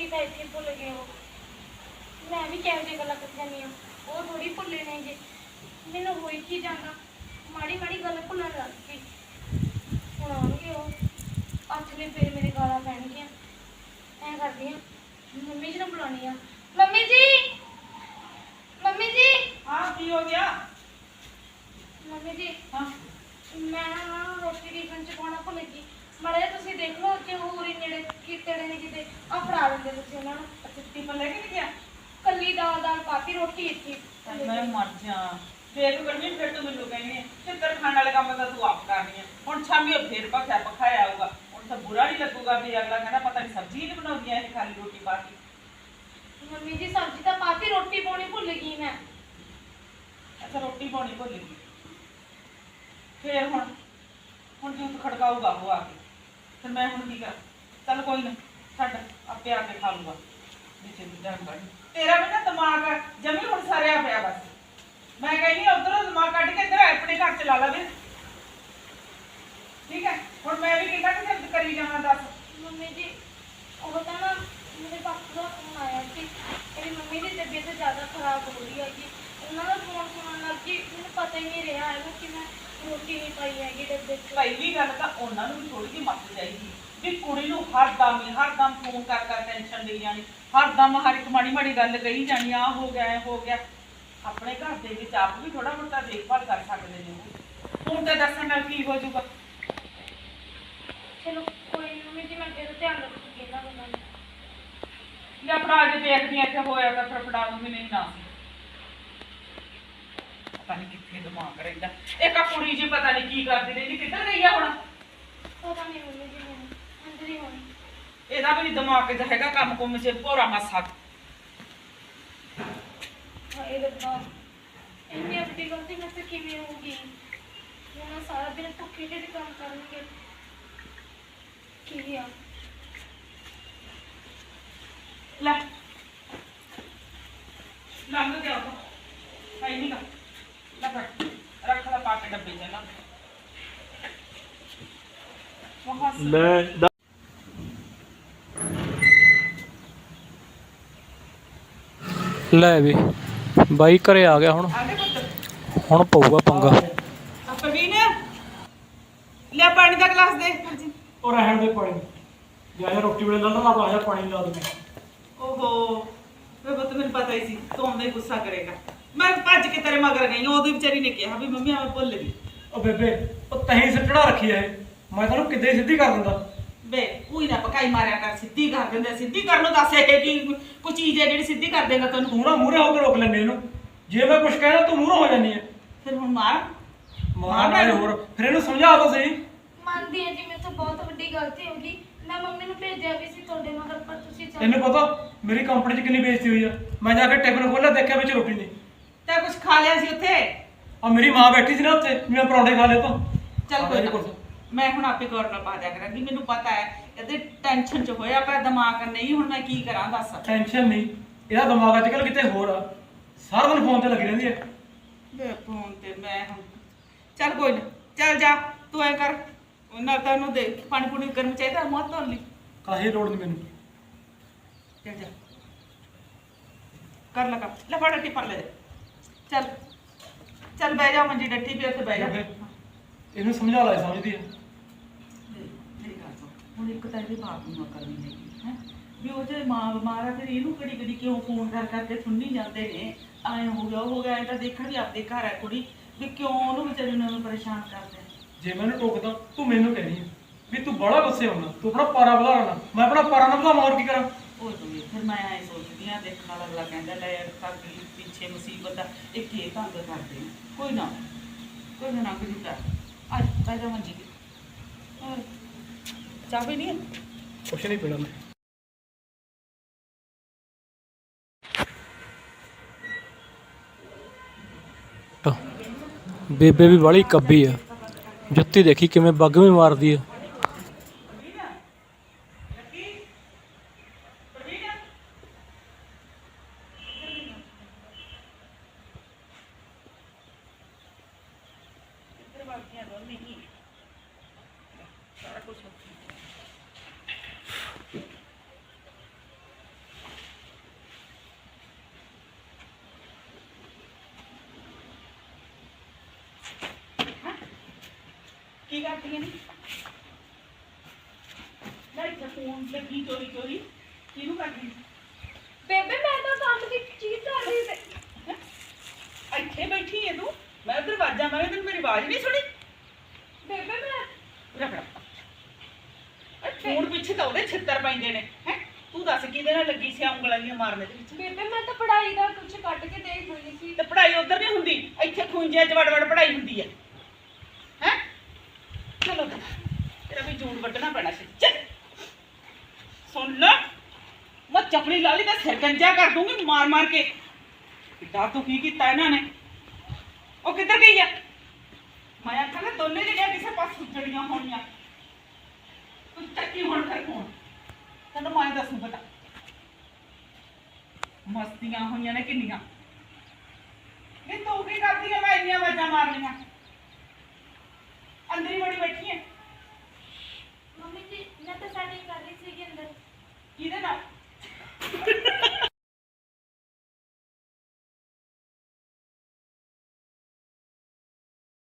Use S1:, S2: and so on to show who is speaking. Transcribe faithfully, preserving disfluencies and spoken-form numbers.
S1: रोटी तो इतनी भुल गए हो। मैं भी कहो जी गल कर जानी वो थोड़ी भुले ने जी मैनू हो ही जाना माड़ी माड़ी गल भुलन लग गई। हूँ आउगे वो हथ ने फिर मेरे गाला पैणगियां। ऐ करदी हाँ मम्मी जी ने बुलानी आ। मम्मी जी मम्मी जी।
S2: हाँ की हो गया?
S1: मम्मी जी
S2: हाँ
S1: मैं ना रोटी टिफिन च पाना भुल गई। माड़ा तुसीं देख लो कि होर ही नेड़े किते ने किते आ फड़ा देंदे तुसीं उन्हां नूं।
S2: अच्छा टिफिन लेके नहीं गया?
S1: कल्ली दाल दाल पाती रोटी इतनी
S2: मैं मर जा फिर करनी फिर तो मैनू कहनी फिर तेरे खाने वाले काम तो तू आप करनी है। हुण शामी फिर पखा पखाया आऊगा हुण तो बुरा नहीं लगूगा भी अगला कहना पता नहीं सब्जी नहीं बनाउंदी है खाली रोटी पाती।
S1: मम्मी जी सब्जी तो पाती रोटी पानी भुल गई मैं।
S2: अच्छा रोटी पानी भुल गई फिर हुण हुण जूत खड़काऊगा वो आके फिर मैं हुण की कर चल कोई ना छड्ड आपे आके खा लूगा नीचे दी जान तेरा भी ना दिमाग जमी हुण सारिया पिया बस। मैं कहनी उधरों दिमाग कट के इधर अपने घर चला ला फिर ठीक है। हुण मैं भी कितना कि करी जावां दस।
S1: मम्मी जी वो तो ना मेरे पापा का फोन आया कि मेरी मम्मी की तबीयत ज़्यादा खराब हो रही है कि उन्होंने फोन सुनने लग गई। मैंने पता ही नहीं रहा है कि मैं रोटी नहीं पाई हैगी डब्बे च।
S2: पहली गल तो उन्होंने भी थोड़ी जी मत चाहिए भी कुड़ी नूं हर दम ही हर दम फोन कर कर टेंशन दी जानी हर दम हर एक माड़ी माड़ी गल कही जानी आ हो गया ऐ हो गया। अपने घर के विच आप भी थोड़ा मोटा देखभाल कर सकते हैं। फोन ते दस्सण नाल की हो जाऊगा।
S1: चलो कोई नहीं मम्मी जी मैं फिर ध्यान रखूंगी ना गल्लां दा।
S2: या फड़ा जे देखदी इत्थे होया तां फिर फड़ा दूंगी नहीं ना पता नहीं कित्थे दिमाग रहिंदा। एक आ कुड़ी जी पता नहीं की करदी रहिंदी किधर गई है हुण
S1: पता नहीं मम्मी जी मैंने अंदर ही होनी।
S2: ਇਹਦਾ ਵੀ ਦਿਮਾਗ 'ਚ ਹੈਗਾ ਕੰਮ ਕੁੰਮ 'ਚ ਭੋਰਾ ਮਾਸਾ।
S1: हाय रब्बा इतनी बड़ी गलती मुझसे किवें होगी। वो ना सारा दिन भुखे ढिड काम करेंगे की गया
S2: ਲੈ ਲੰਘ ਗਿਆ ਉਹ ਹੈ ਨਹੀਂ ਗਾ ਲੈ ਫੜ ਰੱਖ ਲੈ ਪਾ ਕੇ ਡੱਬੇ 'ਚ ਨਾ ਵਹਾਂ
S3: ਲੈ ਲੈ ਵੀ ਬਾਈ ਘਰੇ ਆ ਗਿਆ ਹੁਣ
S2: ਆਗੇ ਪੁੱਤ
S3: ਹੁਣ ਪਊਗਾ ਪੰਗਾ।
S2: ਆ ਪ੍ਰਵੀਨ ਲੈ ਪਾਣੀ ਦਾ ਗਲਾਸ ਦੇ। ਹਾਂਜੀ
S3: ਉਹ ਰਹਿਣ ਦੇ ਪਾਣੀ ਜਾ ਰੋਟੀ ਵੇਲੇ ਲਾ ਲਾ ਆ ਪਾਣੀ ਲਾ ਦੇ।
S2: ਓਹੋ ਵੇ ਪੁੱਤ ਮੈਨੂੰ ਪਤਾ ਹੀ ਸੀ ਤੂੰ ਆਉਂਦਾ ਹੀ ਗੁੱਸਾ ਕਰੇਗਾ। ਮੈਂ ਭੱਜ ਕੇ ਤੇਰੇ ਮਗਰ ਗਈ ਉਹਦੀ ਵਿਚਾਰੀ ਨੇ ਕਿਹਾ ਵੀ ਮੰਮੀ ਮੈਂ ਭੁੱਲ ਗਈ।
S3: ਉਹ ਬੇਬੇ ਉਹ ਤਹੀਂ ਸਿੱਟੜਾ ਰੱਖੀ ਐ ਮੈਂ ਤੈਨੂੰ ਕਿੱਦੇ ਸਿੱਧੀ ਕਰ ਦਿੰਦਾ।
S2: ਵੇ ਉਹੀ ਨਾ ਪਕਾਈ ਮਾਰਿਆ ਕਰ ਸਿੱਧੀ ਕਰ ਦਿੰਦੇ ਸਿੱਧੀ ਕਰਨ ਨੂੰ ਦੱਸ ਇਹ ਕੀ ਕੋਈ ਚੀਜ਼ ਹੈ ਜਿਹੜੀ ਸਿੱਧੀ ਕਰ ਦੇਗਾ ਤੈਨੂੰ।
S3: ਤੂੰ ਨਾ ਮੂਹਰੇ ਹੋ ਕੇ ਰੋਕ ਲੈਂਦੇ ਇਹਨੂੰ ਜੇ ਮੈਂ ਕੁਝ ਕਹਿਣਾ ਤੂੰ ਮੂਹਰੇ ਹੋ ਜਾਂਦੀ ਐ।
S2: ਫਿਰ ਹੁਣ ਮਾਰ
S3: ਮਾਰ ਨਾਲੇ ਹੋਰ ਫਿਰ ਇਹਨੂੰ ਸਮਝਾ ਦੋ ਸਹੀ।
S1: ਮੰਨਦੀ ਹਾਂ ਜੀ ਮੇਰੇ ਤੋਂ ਬਹੁਤ ਵੱਡੀ ਗਲਤੀ ਹੋ ਗਈ। ਮੈਂ ਮੰਮੀ ਨੂੰ ਭੇਜਿਆ ਵੀ ਸੀ ਤੁਹਾਡੇ ਮਗਰ ਪਰ ਤੁਸੀਂ ਚੱਲ
S3: ਤੈਨੂੰ ਪਤਾ ਮੇਰੀ ਕੰਪਨੀ 'ਚ ਕਿੰਨੀ ਬੇਇੱਜ਼ਤੀ ਹੋਈ ਆ। ਮੈਂ ਜਾ ਕੇ ਟਿਫਨ ਖੋਲ੍ਹਿਆ ਦੇਖਿਆ ਵਿੱਚ ਰੋਟੀ ਨਹੀਂ।
S2: ਤੈਂ ਕੁਝ ਖਾ ਲਿਆ ਸੀ ਉੱਥੇ?
S3: ਆ ਮੇਰੀ ਮਾਂ ਬੈਠੀ ਸੀ ਨਾ ਉੱਥੇ ਮੈਂ ਪਰੌਂਠੇ ਖਾ ਲਏ ਤਾਂ
S2: ਚੱਲ ਕੋਈ ਨਾ ਮੈਂ ਹੁਣ ਆਪੇ ਗੌਰ ਨਾਲ ਪਾ ਦਿਆ ਕਰਾਂਗੀ। ਮੈਨੂੰ ਪਤਾ ਹੈ ਇਹਦੇ ਟੈਨਸ਼ਨ 'ਚ ਹੋਇਆ ਪਿਆ ਦਿਮਾਗ ਨਹੀਂ ਹੁਣ ਮੈਂ ਕੀ ਕਰਾਂ ਦੱਸ।
S3: ਟੈਨਸ਼ਨ ਨਹੀਂ ਇਹਦਾ ਦਿਮਾਗ ਅੱਜ ਕੱਲ੍ਹ ਕਿਤੇ ਹੋਰ ਆ ਸਾਰਾ ਦਿਨ ਫੋਨ ਤੇ ਲੱਗੀ ਰਹਿੰਦੀ ਹੈ।
S2: ਵੇ ਫੋਨ ਤੇ ਮੈਂ ਹੁਣ ਚੱਲ ਕੋਈ ਨਾ ਚੱਲ ਜਾ ਤੂੰ ਐ ਕਰ ਉਹਨਾਂ ਤਾਂ ਉਹਨੂੰ ਦੇ ਪਾਣੀ ਪੂਣੀ ਗਰਮ ਚਾਹੀਦਾ ਮੂੰਹ ਧੋਣ ਲਈ।
S3: ਕਾਹੇ ਲੋੜ ਨਹੀਂ ਮੈਨੂੰ।
S2: ਚੱਲ ਜਾ ਕਰ ਲਗਾ ਲੈ ਫੜ ਟੀ ਪਰ ਲੈ ਚੱਲ ਚੱਲ ਬਹਿ ਜਾ ਮੰਜੀ ਡੱਠੀ ਪਈ ਉੱਥੇ ਬਹਿ ਜਾ।
S3: ਇਹਨੂੰ ਸਮਝਾ ਲੈ ਸਮਝਦੀ ਹੈ।
S2: ਮੇਰੀ ਗੱਲ ਸੁਣ ਹੁਣ ਇੱਕ ਤਾਂ ਇਹਦੇ ਬਾਪ ਨੂੰ ਅਕਲ ਨਹੀਂ ਹੈਗੀ ਹੈ ਵੀ ਉਹ ਜੇ ਮਾਂ ਬਿਮਾਰ ਆ ਫਿਰ ਇਹਨੂੰ ਕਿਹੜੀ ਕਿਹੜੀ ਕਿਉਂ ਫੋਨ ਕਰ ਕਰਕੇ ਸੁਣਨੀ ਜਾਂਦੇ ਨੇ ਐਂ ਹੋ ਗਿਆ ਉਹ ਹੋ ਗਿਆ। ਇਹ ਤਾਂ ਦੇਖਣ ਵੀ ਆਪਦੇ ਘਰ ਹੈ ਕੁੜੀ ਵੀ ਕਿਉਂ ਉਹਨੂੰ ਵਿਚਾਰੀ ਨੂੰ ਪਰੇਸ਼ਾਨ ਕਰਦੇ।
S3: ਜੇ ਮੈਨੂੰ ਟੋਕਦਾ ਤੂੰ ਮੈਨੂੰ ਕਹਿਣੀ ਹੈ ਵੀ ਤੂੰ ਬੜਾ ਗੁੱਸੇ ਹੋਣਾ ਤੂੰ ਆਪਣਾ ਪਾਰਾ ਵਧਾ ਲੈਣਾ ਮੈਂ ਆਪਣਾ ਪਾਰਾ ਨਾ ਵਧਾਵਾਂ ਹੋਰ ਕੀ ਕਰਾਂ।
S2: ਉਹ ਤੂੰ ਫਿਰ ਮੈਂ ਐਂ ਸੋਚਦੀ ਹਾਂ ਦੇਖਣ ਵਾਲਾ ਅਗਲਾ ਕਹਿੰਦਾ ਲੈ ਯਾਰ ਕਾਕੀ ਪਿੱਛੇ ਮੁਸੀਬਤ ਆ ਇਹ ਕੀ ਤੰਗ ਕਰਦੇ ਨੇ। ਕੋਈ ਨਾ ਕੋਈ ਨਾ ਨਾ ਕੁਝ ਕਰ ਅੱਜ ਬਹਿ ਜਾ ਮੰਜੀ ਤੇ ਹੋਰ ਚਾਹ ਵੀ ਨਹੀਂ ਹੈ
S3: ਕੁਛ ਨਹੀਂ ਪੀਣਾ ਮੈਂ। ਬੇਬੇ ਵੀ ਵਾਲੀ ਕੱਬੀ ਆ ਜੁੱਤੀ ਦੇਖੀ ਕਿਵੇਂ ਬੱਗ ਵੀ ਮਾਰਦੀ ਆ।
S2: ਕਰਦੀਆਂ ਨੇ ਲੈ ਇੱਥੇ ਫੋਨ ਲੱਗੀ ਚੋਰੀ ਚੋਰੀ ਕਿਹਨੂੰ ਕਰਦੀ
S1: ਬੇਬੇ ਮੈਂ ਤਾਂ ਕੰਮ ਦੀ ਚੀਜ਼ ਕਰ ਰਹੀ ਸੀ।
S2: ਹੈਂ? ਇੱਥੇ ਬੈਠੀ ਹੈ ਤੂੰ ਮੈਂ ਉਧਰ ਆਵਾਜ਼ਾਂ ਮਾਰੀ ਤੈਨੂੰ ਮੇਰੀ ਆਵਾਜ਼ ਨਹੀਂ ਸੁਣੀ
S1: ਬੇਬੇ ਮੈਂ
S2: ਰਖੜਾ ਫੋਨ ਪਿੱਛੇ ਤਾਂ ਉਹਦੇ ਛਿੱਤਰ ਪੈਂਦੇ ਨੇ ਹੈ ਤੂੰ ਦੱਸ ਕਿਹਦੇ ਨਾਲ ਲੱਗੀ ਸੀ ਉਂਗਲਾਂ ਦੀਆਂ ਮਾਰਨੇ ਦੇ ਵਿੱਚ
S1: ਬੇਬੇ ਮੈਂ ਤਾਂ ਪੜ੍ਹਾਈ ਦਾ ਕੁਝ ਕੱਢ ਕੇ ਦੇਖ ਰਹੀ ਸੀ।
S2: ਤੇ ਪੜ੍ਹਾਈ ਉਧਰ ਨਹੀਂ ਹੁੰਦੀ ਇੱਥੇ ਖੂੰਜਿਆਂ 'ਚ ਵੜ ਵੜ ਪੜ੍ਹਾਈ ਹੁੰਦੀ ਹੈ ਹੈ ਚਲੋ ਤੇਰਾ ਵੀ ਜੂੜ ਵੱਢਣਾ ਪੈਣਾ ਸੀ ਚੱਲ ਸੁਣ ਲੈ ਮੈਂ ਚਪੜੀ ਲਾ ਲਈ ਤਾਂ ਸਿਰ ਗੰਜਾ ਕਰ ਦੂੰਗੀ ਮਾਰ ਮਾਰ ਕੇ ਕਿੱਦਾਂ ਤੂੰ ਕੀ ਕੀਤਾ ਇਹਨਾਂ ਨੇ ਉਹ ਕਿੱਧਰ ਗਈ ਆ ਮੈਂ ਆਖਾਂ ਨਾ ਦੋਨੇ ਜਿਹੜੀਆਂ ਕਿਸੇ ਪਾਸ ਸੁੱਜੜੀਆਂ ਹੋਣੀਆਂ ਤੂੰ ਚੱਕੀ ਹੁਣ ਕਰ ਫੋਨ ਤੈਨੂੰ ਮੈਂ ਦੱਸੂ ਪਤਾ ਮਸਤੀਆਂ ਹੋਈਆਂ ਨੇ ਕਿੰਨੀਆਂ ਇਹ ਤੂੰ ਕੀ ਕਰਦੀ ਆ ਮੈਂ ਇੰਨੀਆਂ ਆਵਾਜ਼ਾਂ ਮਾਰਨੀਆਂ ਅੰਦਰ ਹੀ ਬੜੀ ਬੈਠੀ